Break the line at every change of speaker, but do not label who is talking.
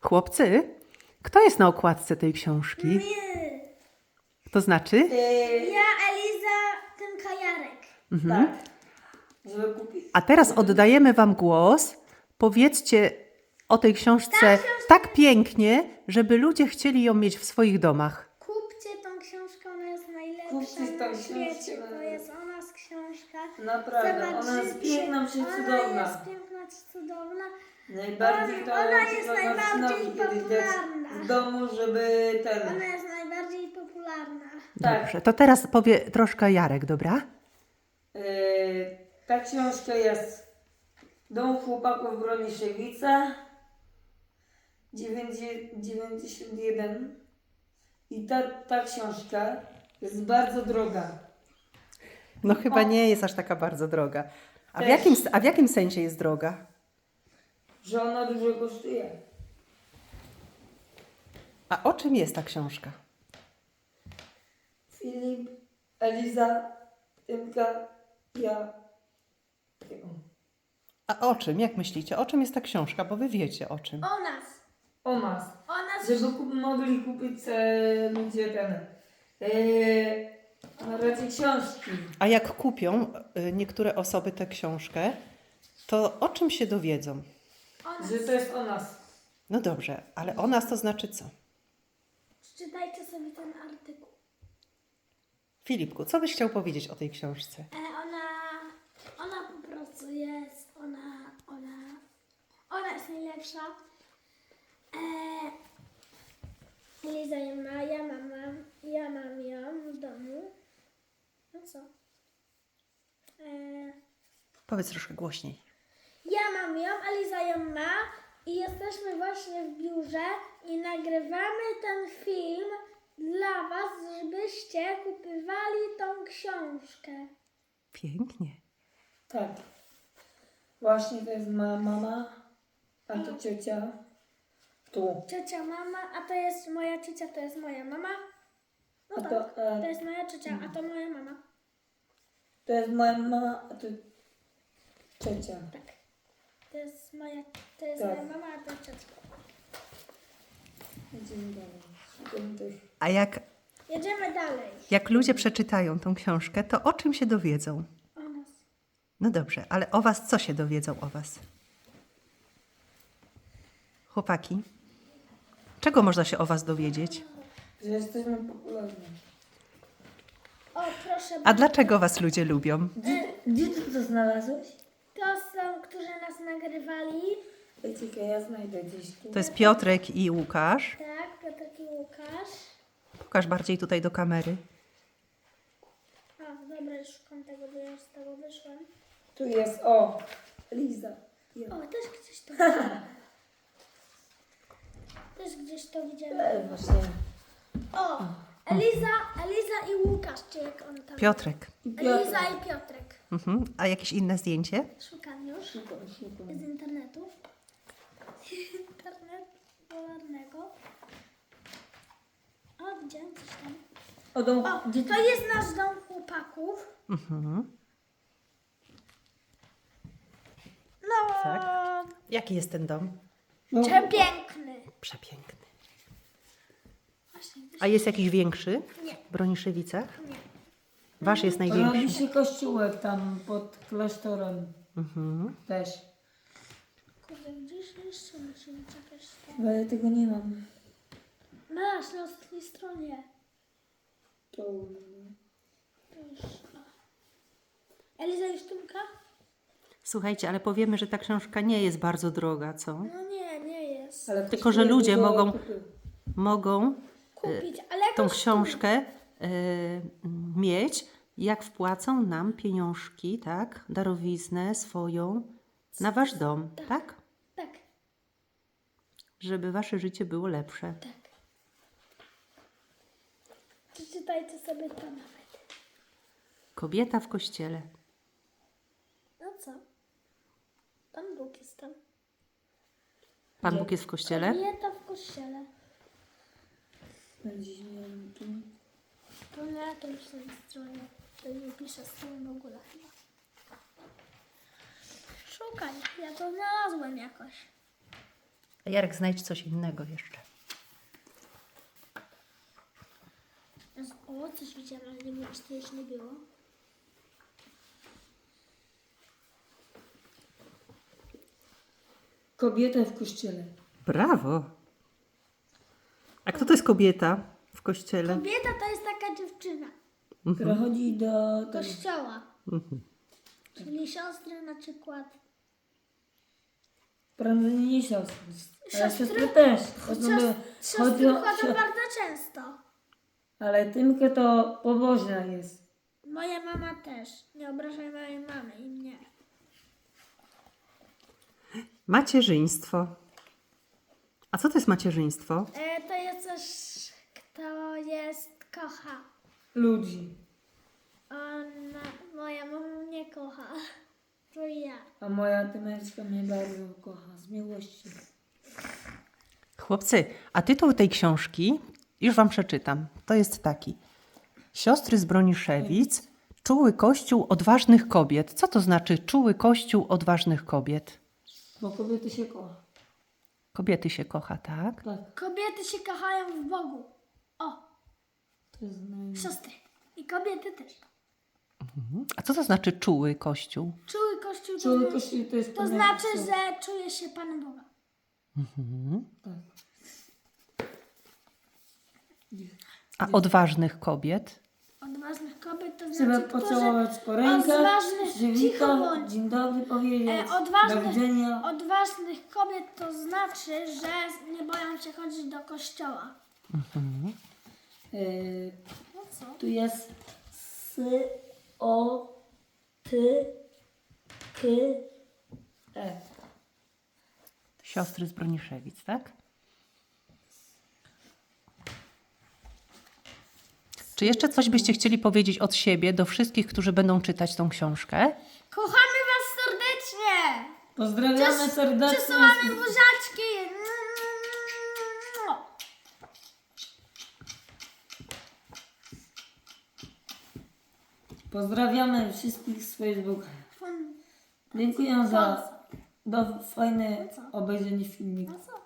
Chłopcy, kto jest na okładce tej książki?
My.
To znaczy?
Ja, Eliza, ten Kajarek.
Tak. Żeby kupić.
A teraz oddajemy wam głos. Powiedzcie o tej książce tak pięknie, żeby ludzie chcieli ją mieć w swoich domach.
Kupcie tą książkę, ona jest najlepsza
Kupcie tą
na świecie.
książkę.
To jest o nas książka.
Naprawdę, ona jest piękna,
Ona jest
przecudowna.
piękna, cudowna.
Najbardziej to
Ona jest
trzeba
najbardziej
Marcinowi kiedyś dać
popularna.
w domu, żeby
Ona jest najbardziej popularna.
Tak.
Dobrze, to teraz powie troszkę Jarek, dobra?
Ta książka jest Dom chłopaków Broniszewica 91 i ta książka jest bardzo droga.
No chyba nie jest aż taka bardzo droga. A
Też.
w jakim sensie jest droga?
Że ona dużo kosztuje.
A o czym jest ta książka?
Filip, Eliza, Tymka, ja.
A o czym? Jak myślicie? O czym jest ta książka? Bo wy wiecie o czym.
O nas.
O nas.
O nas.
Żeby mogli kupić ludzie na razie książki.
A jak kupią niektóre osoby tę książkę, to o czym się dowiedzą?
O nas.
Że to jest o nas.
No dobrze, ale o nas to znaczy co?
Przeczytajcie sobie ten artykuł.
Filipku, co byś chciał powiedzieć o tej książce?
Ona po prostu jest, ona jest najlepsza. Liza ją ma, ja mam ją w domu. No co?
Powiedz troszkę głośniej.
Ja mam ją, a Liza ją ma i jesteśmy właśnie w biurze i nagrywamy ten film dla was, żebyście kupywali tą książkę.
Pięknie.
Tak. Właśnie to jest moja mama, a to ciocia. Tu.
Ciocia, mama, a to jest moja ciocia, to jest moja mama. No
A
tak,
to,
to jest moja ciocia, a to moja mama.
To jest moja mama, a to ciocia.
Tak. To jest moja
Tak.
mama, a to ciocia.
Idziemy dalej. Szukam tych.
A
Jedziemy dalej.
jak ludzie przeczytają tą książkę, to o czym się dowiedzą?
O nas.
No dobrze, ale o was co się dowiedzą o was? Chłopaki, czego można się o was dowiedzieć?
Że jesteśmy popularni.
O, proszę
A
bardzo.
dlaczego was ludzie lubią?
Gdzie ty to znalazłeś?
To są, którzy nas nagrywali.
Czekaj, ja znajdę gdzieś tu.
To jest Piotrek i Łukasz.
Tak, Piotr i Łukasz.
Pokaż bardziej tutaj do kamery.
O, dobra, już szukam tego, bo ja już z tego wyszłam.
Tu jest, o, Liza. Ja.
O, też gdzieś to widziałam. Też gdzieś to widziałam.
Właśnie.
O, Eliza i Łukasz, czy jak on tam...
Piotrek.
Eliza i Piotrek.
Mhm. A jakieś inne zdjęcie?
Szukam już z internetu. Internet popularnego. O, widziałam coś tam.
O, dom,
O,
gdzie
to jest nasz dom chłopaków.
Mhm.
No,
Tak. Jaki jest ten dom?
przepiękny.
Przepiękny.
Właśnie,
A jest jakiś większy
nie,
w Broniszewicach?
nie.
Wasz jest
Robi
największy.
się kościółek tam pod klasztorem
Mhm.
też.
Kurde, gdzieś jeszcze musimy czekać.
Bo ja tego nie mam.
Masz na ostatniej stronie.
To...
To już. O. Eliza i Sztumka?
Słuchajcie, ale powiemy, że ta książka nie jest bardzo droga, co?
No nie, nie jest.
Ale
Tylko, że
kosztuje
ludzie
dużo
mogą-
kupy.
Mogą
Kupić, ale
tą
jakoś
książkę mieć, jak wpłacą nam pieniążki, tak? Darowiznę swoją na wasz dom, tak?
Tak,
Żeby wasze życie było lepsze.
tak. Przeczytajcie sobie to nawet.
Kobieta w kościele.
No co? Pan Bóg jest tam.
Pan Bóg jest w kościele?
Kobieta w kościele.
Gdzieś nie wiem, tu.
To na tej stronie. To nie piszę strony w ogóle chyba. Szukaj, ja to znalazłem jakoś.
A Jarek, znajdź coś innego jeszcze.
O, coś widziałam, ale nie wiem, czy to już nie było.
Kobieta w kościele.
Brawo. A kto to jest kobieta w kościele?
Kobieta to jest taka dziewczyna.
Która chodzi do tego.
Kościoła. Czyli siostry na przykład.
Prędzej nie siostry. Ale
Siostry?
siostry też.
Siostry chodzą bardzo często.
Ale Tymka to pobożna jest.
Moja mama też. Nie obrażaj mojej mamy i mnie.
Macierzyństwo. A co to jest macierzyństwo?
To jest coś, kto kocha.
Ludzi.
Moja mama mnie kocha. To ja.
A moja Tymeczka mnie bardzo kocha. Z miłości.
Chłopcy, a tytuł tej książki, już wam przeczytam. To jest taki. Siostry z Broniszewic, czuły kościół odważnych kobiet. Co to znaczy czuły kościół odważnych kobiet?
Bo kobiety się kocha.
Kobiety się kocha, tak?
Tak.
Kobiety się kochają w Bogu. O,
To jest
siostry. I kobiety też.
A co to znaczy czuły kościół?
Czuły kościół
Czuły kościół to jest
to
kobieta.
znaczy, że czuje się Panem Boga.
Tak.
A odważnych kobiet?
Odważnych kobiet to
Trzeba
znaczy,
pocałować po rękach,
odważnych, cicho
przywitać,
bądź.
dzień dobry powiedzieć, do
Odważnych,
widzenia.
odważnych kobiet to znaczy, że nie boją się chodzić do kościoła. No co?
Tu jest o, ty, k, e.
Siostry z Broniszewic, tak? Czy jeszcze coś byście chcieli powiedzieć od siebie do wszystkich, którzy będą czytać tą książkę?
Kochamy was serdecznie!
Pozdrawiamy serdecznie.
Przesyłamy buziaczki!
Pozdrawiamy wszystkich z Facebooka. Dziękuję za fajne obejrzenie filmiku.
No co?